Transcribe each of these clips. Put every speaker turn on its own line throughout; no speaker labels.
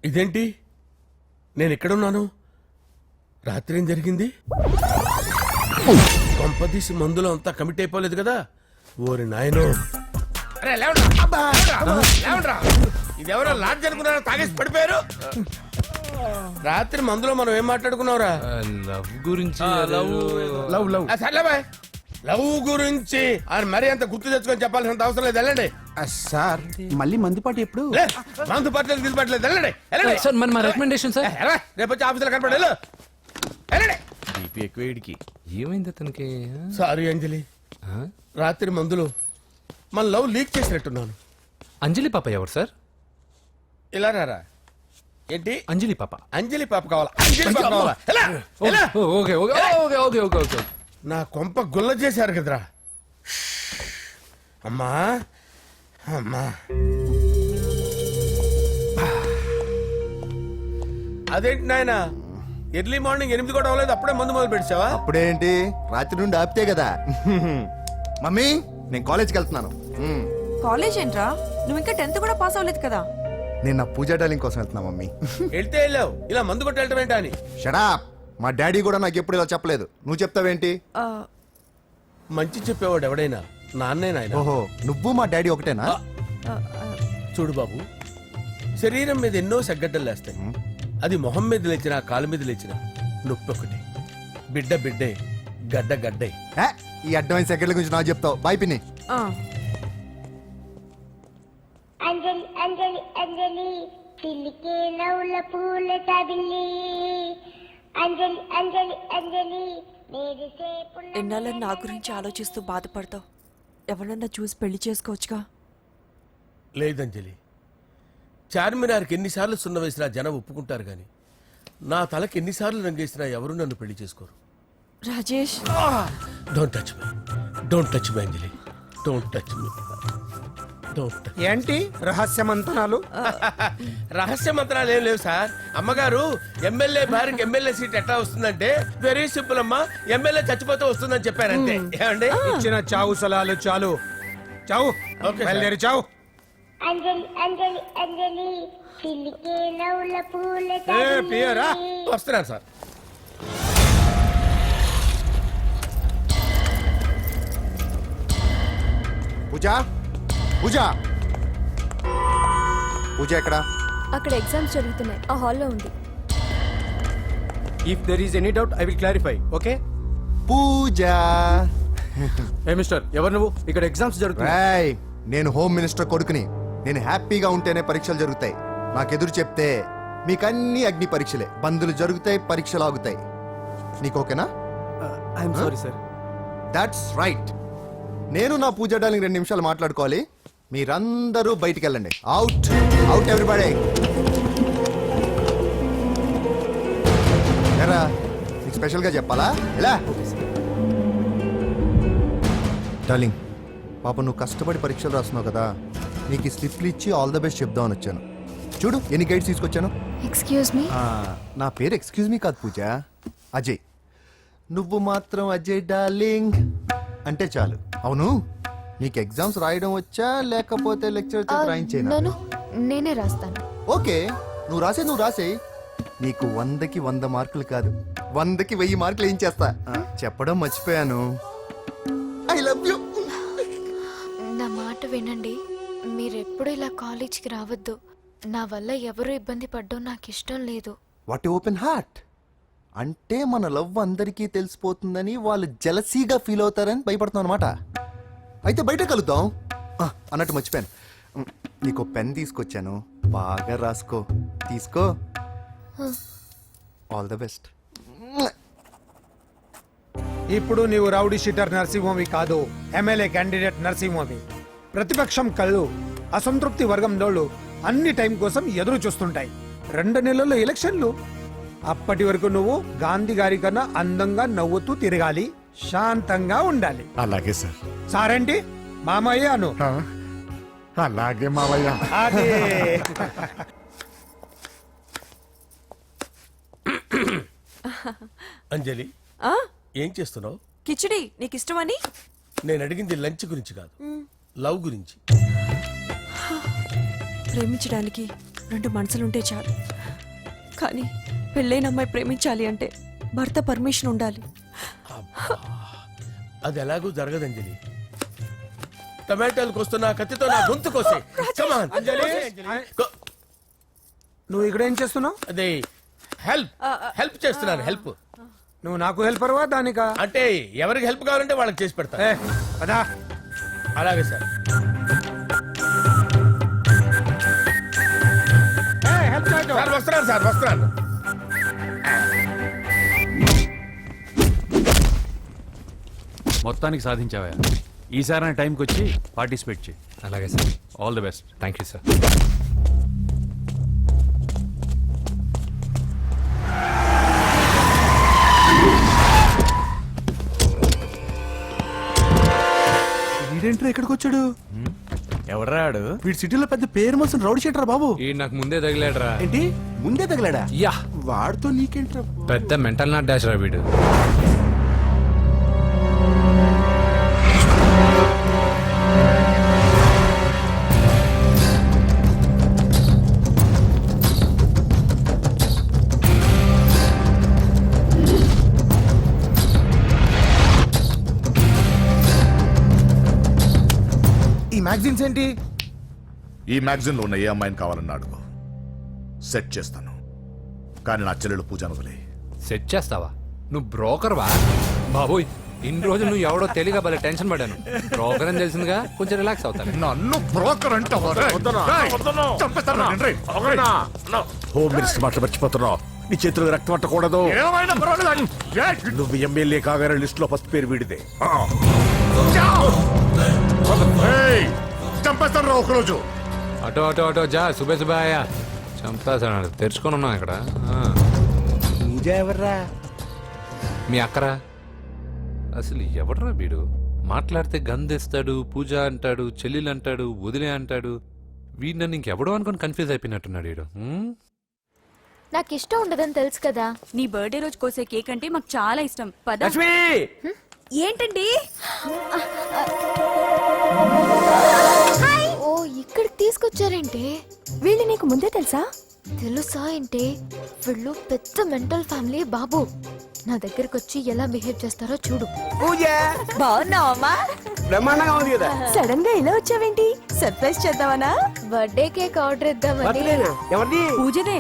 ఇదేంటి, నేను ఎక్కడున్నాను? రాత్రి ఏం జరిగింది? కొంపదీసి మందులో అంతా కమిట్ అయిపోలేదు కదా? ఓరి నాయనో! ఇదెవరో లాడ్జ్ అనుకున్నారో తాగేసి పడిపోయారు. రాత్రి మందులో మనం ఏం మాట్లాడుకున్నావురా?
లవ్ గురించి.
సర్లే బాయ్, లవ్ గురించి ఆయన మరీ అంత గుర్తు తెచ్చుకొని చెప్పాల్సినంత అవసరం లేదు. వెళ్ళండి
సార్. మళ్ళీ మందుపాటి ఎప్పుడు?
మందు పట్టలేదు దిల్పట్టలేదు. వెళ్ళండి
సార్ మన రికమెండేషన్ సార్.
రేపు వచ్చి ఆఫీసులో కనపడి వెళ్ళండి.
బీపీ ఎక్కువ వేడికి ఏమైంది అతనికి?
సారీ అంజలి, రాత్రి మందులో మన లవ్ లీక్ చేసినట్టున్నాను.
అంజలి పాప ఎవరు సార్?
ఇలా రారా. ఏంటి
అంజలి పాప?
అంజలి పాప కావాలా? అంజలి పాప కావాలా? ఎలా? ఎలా?
Okay okay okay okay okay okay.
నా కొంప గుల్ల చేశారు కదరా. అమ్మా అమ్మా, అదేంటి నాయన, ఎర్లీ మార్నింగ్ 8 కూడా అవ్వలేదు, అప్పుడే మందు మొదలు పెట్టావా?
అప్పుడేంటి, రాత్రి నుండి ఆపితే కదా. మమ్మీ, నేను కాలేజ్కి వెళ్తున్నాను.
కాలేజ్ ఏంట్రా? నువ్వు ఇంకా 10th కూడా పాస్ అవ్వలేదు కదా.
నేను నా పూజా డాలింగ్ కోసం వెళ్తున్నా మమ్మీ.
వెళ్తే వెళ్ళావు, ఇలా మందు కొట్టి వెళ్ళటం ఏంటా అని.
షడా, మా డాడీ కూడా నాకు ఎప్పుడు ఇలా చెప్పలేదు. నువ్వు చెప్తావేంటి?
ఆ,
మంచి చెప్పేవాడు ఎవడైనా నాన్నే నాయన.
ఓహో, నువ్వు మా డాడీ ఒకటేనా?
ఆ, ఆ,
చూడు బాబు, శరీరం మీద ఎన్నో సగ్గడ్డలు లేస్తాయి. అది మొహం మీద లేచినా కాలు మీద లేచినా నొప్పి ఒకటి. బిడ్డ బిడ్డే, గడ్డ గడ్డే.
ఏ, ఈ అడ్వాన్స్ సెకండ్ల గురించి నాకు చెప్తావు. బాయ్ పిన్ని.
ఆ.
అంజలి అంజలి అంజలి చిల్లికే నవ్వుల పూల తబిల్లి అంజలి అంజలి అంజలి
ఎన్నాళ్ళని నా గురించి ఆలోచిస్తూ బాధపడతావు. ఎవరన్నా చూసి పెళ్లి చేసుకోవచ్చుగా.
లేదంజలి, చార్మినార్కి ఎన్నిసార్లు సున్న వేసినా జనం ఒప్పుకుంటారు గాని నా తలకి ఎన్నిసార్లు రంగేసినా ఎవరు నన్ను పెళ్లి చేసుకోరు.
Rajesh,
don't touch me, don't touch me Anjali, don't touch me, don't.
ఏంటి రహస్య మంతనాలు?
రహస్య మంత్రాలు ఏం లేవు సార్. అమ్మగారు ఎమ్మెల్యే భార్యకి ఎమ్మెల్యే సీట్ ఎట్లా వస్తుందంటే వెరీ సింపుల్ అమ్మా, ఎమ్మెల్యే చచ్చిపోతే వస్తుందని చెప్పారంతే. ఏమండి?
ఇచ్చిన చావు సలాలు చాలు. చావు.
ఓకే,
బయలుదేరి చావు.
అంజలి అంజలి అంజలి చిల్లికే నవ్వుల పూల
ప్రియరా
వస్తున్నాను సార్.
పూజ, పూజ, పూజ ఎక్కడా?
అక్కడ ఎగ్జామ్స్ జరుగుతున్నాయి, ఆ హాల్లో ఉంది.
If there is any doubt I will clarify. Okay.
Pooja.
ఏ మిస్టర్, ఎవరు నువ్వు? ఇక్కడ ఎగ్జామ్స్ జరుగుతున్నాయి.
రాయ్, నేను హోమ్ మినిస్టర్ కొడుకుని. నేను హ్యాపీగా ఉంటేనే పరీక్షలు జరుగుతాయి. నాకెదురు చెప్తే మీకన్నీ అగ్ని పరీక్షలే. బందులు జరుగుతాయి, పరీక్షలు ఆగుతాయి. నీకు ఓకేనా?
I'm sorry sir.
That's right. నేను నా పూజ డార్లింగ్ 2 నిమిషాలు మాట్లాడుకోవాలి. మీరందరూ బయటికి వెళ్ళండి. Out out everybody. ఎరా, నీకు స్పెషల్గా చెప్పాలా? ఎలా డార్లింగ్, పాప నువ్వు కష్టపడి పరీక్షలు రాస్తున్నావు కదా, నీకు ఈ స్లిప్లు ఇచ్చి ఆల్ ద బెస్ట్ చెప్దామని వచ్చాను. చూడు ఎన్ని గైడ్స్ తీసుకొచ్చాను.
Excuse me.
నా పేరు ఎక్స్క్యూజ్ మీ కాదు పూజ, అజయ్. నువ్వు మాత్రం అజయ్ డార్లింగ్ అంటే చాలు. అవును, నీకు ఎగ్జామ్స్ రాయడం వచ్చా లేకపోతే లెక్చర్ రాయించేనా?
నన్ను నేనే రాస్తాను.
ఓకే, నువ్వు రాసే. నీకు 100కి 100 మార్కులు కాదు, 100కి 1000 మార్కులు ఏం చేస్తా. చెప్పడం మర్చిపోయాను, ఐ లవ్ యూ.
నా మాట వినండి. మీరెప్పుడు ఇలా కాలేజ్కి రావద్దు. నా వల్ల ఎవరు ఇబ్బంది పడ్డం నాకు ఇష్టం లేదు.
What open heart. అంటే మన లవ్ అందరికీ తెలిసిపోతుందని వాళ్ళు జలసీగా ఫీల్ అవుతారని భయపడుతున్నాను అనమాట. అయితే బయట కలుద్దాం. అన్నట్టు మర్చిపోయాను, నీకు పెన్ తీసుకొచ్చాను, బాగా రాసుకో. తీసుకో. All the best.
ఇప్పుడు నీవు రౌడీ షీటర్ నరసింహవి కాదు, ఎమ్మెల్యే క్యాండిడేట్ నరసింహవి. ప్రతిపక్షం కళ్ళు, అసంతృప్తి వర్గం డోళ్ళు అన్ని టైం కోసం ఎదురు చూస్తుంటాయి. 2 నెలల్లో ఎలక్షన్లు. అప్పటి వరకు నువ్వు గాంధీ గారి కన్నా అందంగా నవ్వుతూ తిరగాలి, శాంతంగా ఉండాలి.
అలాగే సార్.
సారేంటి మామయ్య అను.
అలాగే మావయ్య.
అదే.
అంజలి, ఏం చేస్తున్నావు?
కిచిడి నీకు ఇష్టమని.
నేను అడిగింది లంచ్ గురించి కాదు, లవ్ గురించి.
ప్రేమించడానికి రెండు మనసులుంటే చాలు. కానీ పెళ్ళైన అమ్మాయి ప్రేమించాలి అంటే భర్త పర్మిషన్ ఉండాలి.
అది ఎలాగూ జరగదు అంజలి. టమాటాలకు వస్తున్న కత్తితో నా గొంతు కోసే. Come on. గో-
నువ్వు ఇక్కడ ఏం చేస్తున్నావు?
అదే హెల్ప్ చేస్తున్నాను. హెల్ప్
నువ్వు నాకు హెల్పర్వా దానికా?
అంటే ఎవరికి హెల్ప్ కావాలంటే వాళ్ళకి చేసి పెడతా.
ఏ, పదా.
అలాగే సార్.
హెల్ప్ చేయటం.
సార్ వస్తున్నాను సార్, వస్తున్నాను.
మొత్తానికి సాధించావా? ఈసారి టైంకి వచ్చి పార్టిసిపేట్ చేయి.
అలాగే sir.
All the best.
Thank you sir.
వీడేంట్రా ఇక్కడికి వచ్చాడు?
ఎవడరాడు?
వీడి సిటీలో పెద్ద పేరు మోసిన రౌడీ షీటరా బాబు.
ఈ నాకు ముందే తగిలాడరా.
ఏంటి ముందే తగిలాడా?
యా,
వాడితో నీకేంట్రా?
పెద్ద మెంటల్ నాట్ డాష్ రా వీడు.
ఈ మ్యాగజైన్స్ ఏంటి?
ఈ మ్యాగజైన్ లో ఉన్న ఏ అమ్మాయిని కావాలన్నా అడుగు, సెట్ చేస్తాను. కానీ నా చెల్లెలు పూజను వదిలే.
సెట్ చేస్తావా? నువ్వు బ్రోకర్ వా? బాబోయ్, ఇన్ని రోజులు నువ్వు ఎవడో తెలియక భలే టెన్షన్ పడ్డాను. బ్రోకర్ అని తెలిసిందిగా కొంచెం రిలాక్స్ అవుతాను.
నన్ను బ్రోకర్ అంటే హోమ్ మినిస్టర్ మాటలు మర్చిపోతున్నావు. నీ చేతులకు రక్తం పట్టకూడదు. నువ్వు ఎమ్మెల్యే కాగానే లిస్ట్ లో ఫస్ట్ పేరు వీడిదే. చంపేస్తాను రా ఒకరోజు.
ఆటో ఆటో ఆటో జా, సుబే సుబే ఆయా. చంపేస్తాడు. తెరుచుకొని ఉన్నాం ఇక్కడ.
పూజ ఎవర్రా?
మీ అక్కరా? అసలు ఎవడరా వీడు? మాట్లాడితే గంధేస్తాడు, పూజ అంటాడు, చెల్లెలు అంటాడు, వదిలే అంటాడు. వీడు నన్ను ఇంకెవడో అనుకొని కన్ఫ్యూజ్ అయిపోయినట్టున్నాడు వీడు.
నాకు ఇష్టం ఉండదని తెలుసు కదా.
నీ బర్త్డే రోజు కోసే కేక్ అంటే మాకు చాలా ఇష్టం. పద. ఏంటండి?
ఓ, ఇక్కడికి తీసుకొచ్చారేంటి?
వీళ్ళు నీకు ముందే తెలుసా?
తెలుసా ఏంటి? వీళ్ళు పెద్ద మెంటల్ ఫ్యామిలీ బాబు. నా దగ్గరకు వచ్చి ఎలా బిహేవ్ చేస్తారో చూడు.
పూజ బాగున్నావమ్మా?
బ్రహ్మాండంగా ఉంది కదా.
సడన్ గా ఇలా వచ్చావేంటి? సర్ప్రైజ్ చేద్దామనా?
బర్త్డే కేక్ ఆర్డర్ ఇద్దామని.
పూజనే.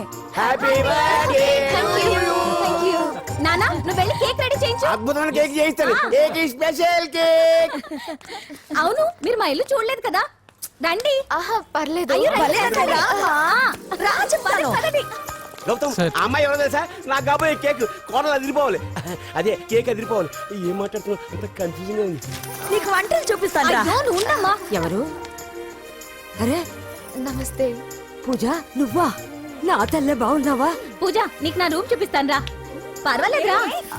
Thank you.
నానా, నువ్వు వెళ్ళి కేక్ రెడీ చేయించు.
అద్భుతమైన కేక్ చేయిస్తాను. Cake special cake.
అవును, మీరు మా ఇల్లు చూడలేదు కదా? రండి.
ఆహా, పర్లేదు.
గౌతమ్, ఆ అమ్మాయి ఎవరో తెలుసా? నాకు కాబోయే కేక్ కోడలు అదిరిపోవాలి. అదే కేక్ అదిరిపోవాలి. ఏం మాట్లాడుతున్నావు? అంత కన్ఫ్యూజన్ గా ఉంది.
నీకు వంటలు చూపిస్తాను. ఎవరు? అరే
నమస్తే.
పూజ, నువ్వా? నా తల్లే బాగున్నావా? పూజ, నీకు నా రూమ్ చూపిస్తాను రా. పర్వాలేదురా.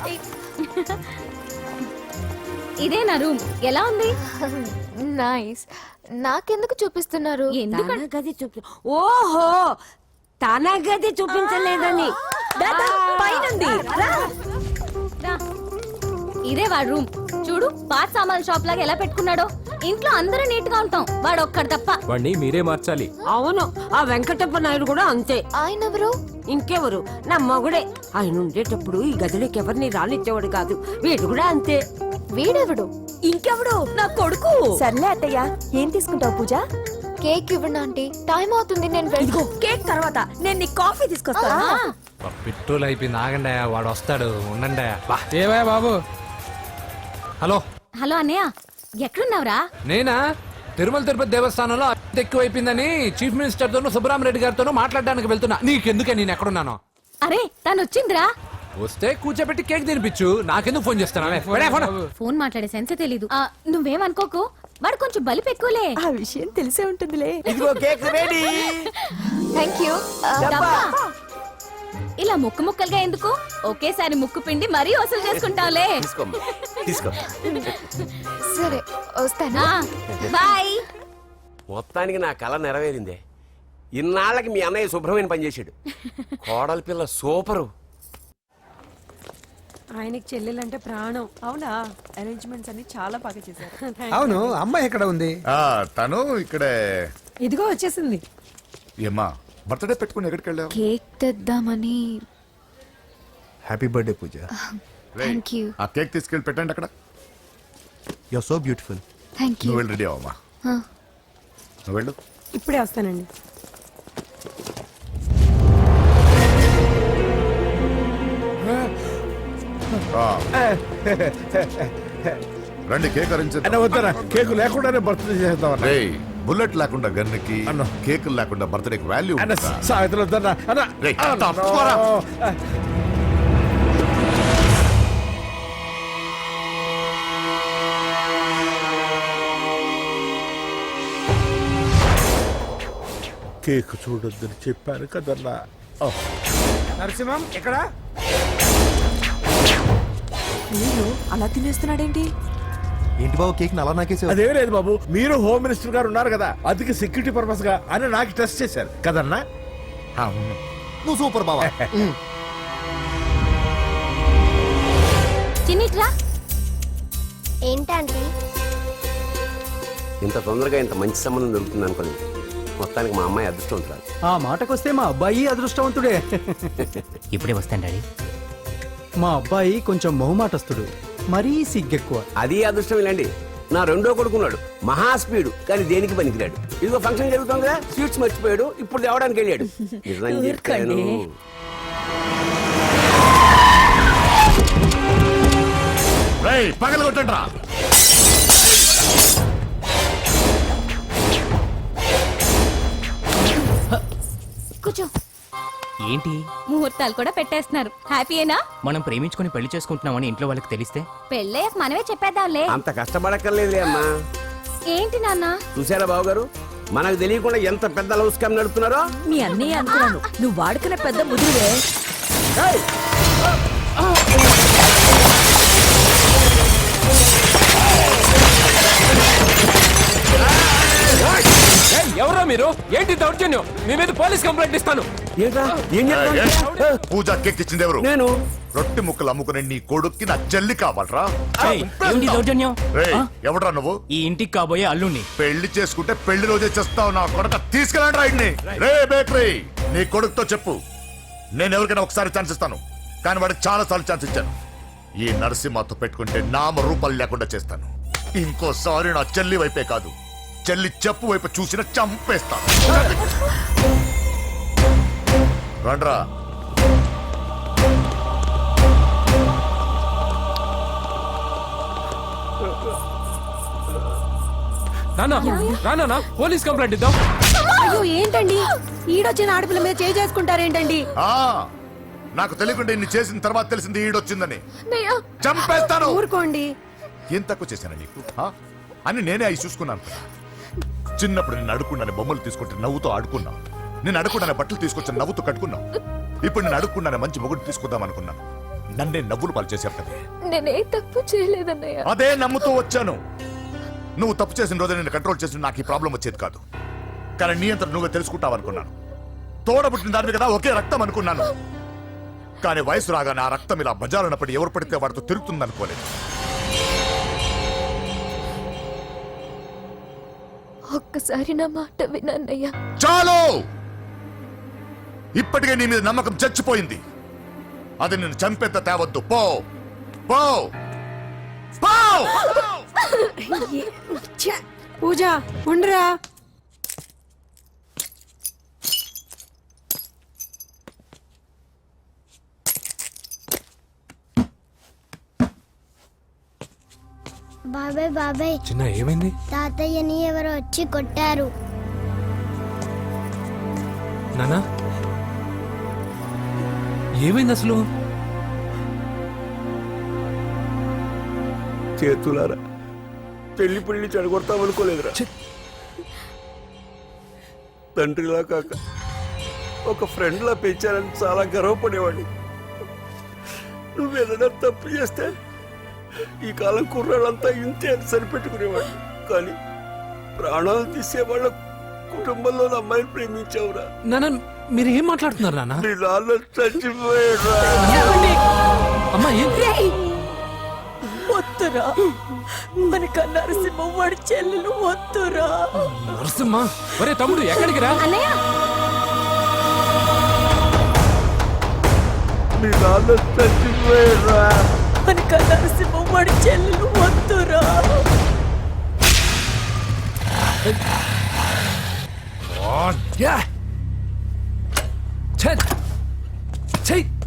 ఇదే నా రూమ్. ఎలా ఉంది?
నైస్. నాకెందుకు చూపిస్తున్నారు?
గది చూపి. ఓహో, తన గది చూపించలేదని. పైనుంది. ఇదే వాడు రూమ్. చూడు, పాత సామాన్ షాప్ లాగా ఎలా పెట్టుకున్నాడో. ఇంట్లో అందరూ నీట్ గా ఉంటాం, వాడు ఒక్కడు తప్ప.
వాడిని మీరే మార్చాలి.
అవును, ఆ వెంకటప్ప నాయుడు కూడా అంతే.
ఆయన ఎవరు?
ఇంకెవరు? నా మగుడే. ఆయన ఉండేటప్పుడు ఈ గదిలోకి ఎవరిని రానిచ్చేవాడు కాదు. వీడు కూడా అంతే.
వీడెవడు?
ఇంకెవడు? నా కొడుకు. సర్లే అత్తయ్య, ఏం తీసుకుంటావు పూజ?
కేక్ ఇవ్వండి ఆంటీ, టైం అవుతుంది. నేను వెళ్ళి
కేక్ తర్వాత నేను నీ కాఫీ తీసుకొస్తాను.
పెట్రోల్ అయిపోయింది. ఆగండి, వాడు వస్తాడు. ఉండండి. ఏవా బాబు? హలో
హలో అన్నయ్య, ఎక్కడున్నావురా?
నేనా? తిరుమల తిరుపతి దేవస్థానంలో అత్యంత ఎక్కువైపోయిందని చీఫ్ మినిస్టర్ తోనూ సుబ్బరామరెడ్డి గారితోనూ మాట్లాడడానికి వెళ్తున్నా. నీకెందుకే నేను ఎక్కడున్నాను?
అరే, తను వచ్చిందిరా.
వస్తే కూర్చోబెట్టి కేక్ తినిపించు. నాకెందుకు ఫోన్ చేస్తానా?
ఫోన్ మాట్లాడే సెన్సే తెలీదు. నువ్వేమనుకోకు, వాడు కొంచెం బలిపు ఎక్కువలే. ఆ విషయం తెలిసే ఉంటుందిలే.
ఇదిగో కేక్ రెడీ.
Thank you.
ఇలా ముక్కు ముక్కలుగా ఎందుకు? ఒకేసారి ముక్కు పిండి మరీ వసూలు చేసుకుంటావులే.
తీసుకో.
సరే, వస్తానా?
బాయ్.
మొత్తానికి నా కళ నెరవేరిందే. ఇన్నాళ్ళకి మీ అన్నయ్య శుభ్రమైన పని చేశాడు. కోడల పిల్ల సూపరు.
ఆయనకి చెల్లెలంటే ప్రాణం. అవునా? అరేంజ్మెంట్స్ అన్ని చాలా బాగా చేశారు.
అవును, అమ్మాయి ఎక్కడ ఉంది?
తను ఇక్కడే.
ఇదిగో వచ్చేసింది.
ఏమ్మా, బర్త్డే పెట్టుకుని ఎక్కడికి వెళ్ళావు?
కేక్ తెద్దామని.
Happy birthday Pooja.
Thank you.
ఆ కేక్ తీసుకెళ్ళి పెట్టండి అక్కడ.
You are so beautiful.
Thank you.
నువ్వు వెళ్ళి రెడీ అవ్వమ్మా. నువ్వు వెళ్ళు.
ఇప్పుడే వస్తానండి.
రండి కేక్ అరేంజ్
వద్దరా, కేకు లేకుండానే బర్త్డే చేద్దాం.
బుల్లెట్ లేకుండా గన్నుకి, కేక్ లేకుండా బర్త్డేకి వాల్యూ
సాయంత్రం వద్దన్నా కేక్ చూడొద్దని చెప్పాను కదన్నా.
నరసింహం ఎక్కడ?
అయ్యో అలా తినేస్తున్నాడేంటి?
ఏంటి బాబు కేక్ అలా నాకేసి?
అదే లేదు బాబు, మీరు హోమ్ మినిస్టర్ గారు ఉన్నారు కదా, అందుకే సెక్యూరిటీ పర్పస్ గా అని నాకు టెస్ట్ చేశారు కదన్నా. అవును.
నువ్వు సూపర్ బాబా.
చిన్నిట్రా.
ఏంటంటే
ఇంత తొందరగా ఇంత మంచి సంబంధం దొరుకుతుంది అనుకోలేదు. మొత్తానికి మా అమ్మాయి అదృష్టవంతురాలు.
ఆ మాటకొస్తే మా అబ్బాయి అదృష్టవంతుడే.
ఇప్పుడే వస్తాను డాడీ.
మా అబ్బాయి కొంచెం మొహమాటస్తుడు, మరీ సిగ్గెక్కువ.
అది అదృష్టం ఇలాండి. నా రెండో కొడుకున్నాడు, మహా స్పీడు, కానీ దేనికి పనికిరాడు. ఇదిగో ఫంక్షన్ జరుగుతుంది కదా, స్వీట్స్ మర్చిపోయాడు, ఇప్పుడు తేవడానికి వెళ్ళాడు. నిజం చెప్పాను.
పగలు కొట్టండి రా.
కూర్చో.
ఏంటి
ముహూర్తాలు కూడా పెట్టేస్తున్నారు. హ్యాపీయేనా?
మనం ప్రేమించుకుని పెళ్లి చేసుకుంటున్నామని ఇంట్లో వాళ్ళకి తెలిస్తే
పెళ్ళయ్యాక మనమే చెప్పేద్దాంలే.
అంత కష్టపడక్కర్లేదులే అమ్మా.
ఏంటి నాన్న?
చూసారా బాబు గారు, మనకు తెలియకుండా ఎంత పెద్ద లవ్ స్కామ్ నడుపుతున్నారో.
మీ అన్నయ్య అనుకున్నాను, నువ్వు వాడుకునే పెద్ద ముదురువే.
ఎవరో మీరు? ఏంటి దౌర్జన్యం? మీ మీద పోలీస్ కంప్లైంట్ ఇస్తాను.
పూజ కేక్ ఇచ్చింది ఎవరు?
నేను.
రొట్టె ముక్కలు అమ్ముకునే నీ కొడుక్కి నా చెల్లి కావాలరా?
దౌర్జన్యం?
ఎవడరా నువ్వు?
ఈ ఇంటికి కాబోయే అల్లుణ్ణి.
పెళ్లి చేసుకుంటే పెళ్లి రోజే చేస్తావు నా కొడుక. తీసుకెళ్ళండి రైడ్ని. రే బేకరీ, నీ కొడుకుతో చెప్పు, నేను ఎవరికైనా ఒకసారి ఛాన్స్ ఇస్తాను, కానీ వాడికి చాలా సార్లు ఛాన్స్ ఇచ్చాను. ఈ నరసింహతో పెట్టుకుంటే నామ రూపాలు లేకుండా చేస్తాను. ఇంకోసారి నా చెల్లి వైపే కాదు, చెల్లి చెప్పు వైపు చూసిన చంపేస్తాను. రండ్రా.
రానా పోలీస్ కంప్లైంట్ ఇద్దాం.
అయ్యో ఏంటండి, ఈడొచ్చిన ఆడపిల్ల మీద చేయి చేసుకుంటారేంటండి?
నాకు తెలియకుండా ఇన్ని చేసిన తర్వాత తెలిసింది ఈడొచ్చిందని. చంపేస్తాను.
ఊరుకోండి.
ఏం తక్కువ చేశాను నీకు అని నేనే అవి చూసుకున్నాను. చిన్నప్పుడు నేను అడుక్కున్నాను బొమ్మలు తీసుకుంటే నవ్వుతో ఆడుకున్నావు. నేను అడుక్కున్నాను బట్టలు తీసుకొచ్చి నవ్వుతూ కట్టుకున్నావు. ఇప్పుడు నేను అడుక్కున్నాను మంచి మొగుడు తీసుకుందాం అనుకున్నాను. నన్నే నవ్వులు పాలు చేశారు కదే.
నేనే తప్పు చేయలేదన్నయ్య.
అదే నమ్ముతూ వచ్చాను. నువ్వు తప్పు చేసిన రోజు నేను కంట్రోల్ చేసిన నాకు ఈ ప్రాబ్లం వచ్చేది కాదు. కానీ నీ అంతా నువ్వే తెలుసుకుంటావు అనుకున్నాను. తోడబుట్టిన దాని కదా ఒకే రక్తం అనుకున్నాను. కానీ వయసు రాగానే ఆ రక్తం ఇలా బజారునప్పుడు ఎవరు పడితే వాడితో తిరుగుతుంది అనుకోలేదు.
ఒక్కసారి నా మాట వినన్నయ్య.
చాలు. ఇప్పటికే నీ మీద నమ్మకం చచ్చిపోయింది. అది నిన్ను చంపేంత తేవద్దు. పో పో పో.
పూజ ఉండరా.
బాబాయ్ బాబాయ్,
చిన్న ఏమైంది?
తాతయ్యని ఎవరో వచ్చి కొట్టారు.
నానా ఏమైంది అసలు?
చేతులారా పెళ్లి పెళ్లి చెడగొడతామనుకోలేదురా. తండ్రిలా కాక ఒక ఫ్రెండ్లా పెంచారని చాలా గర్వపడేవాడిని. నువ్వేదైనా తప్పు చేస్తే ఈ కాలం కుర్రాళ్ళంతా ఇంతే అని సరిపెట్టుకునేవాడు. కానీ ప్రాణాలు తీసే వాళ్ళ కుటుంబంలో అమ్మాయిని ప్రేమించావురా.
నాన్న మీరు ఏం మాట్లాడుతున్నారు నాన్న?
నీ నాన్న చచ్చిపోయాడురా.
అమ్మా
వద్దురా, మనక నరసింహ వాడి చెల్లెలు వద్దురా.
నరసింహ ఒరే తమ్ముడు ఎక్కడికి రా.
అన్నయ్య
నాన్న చచ్చిపోయారా
కనుక నరసింహం వాడి చెల్లెలు వద్దురా.
చెయ్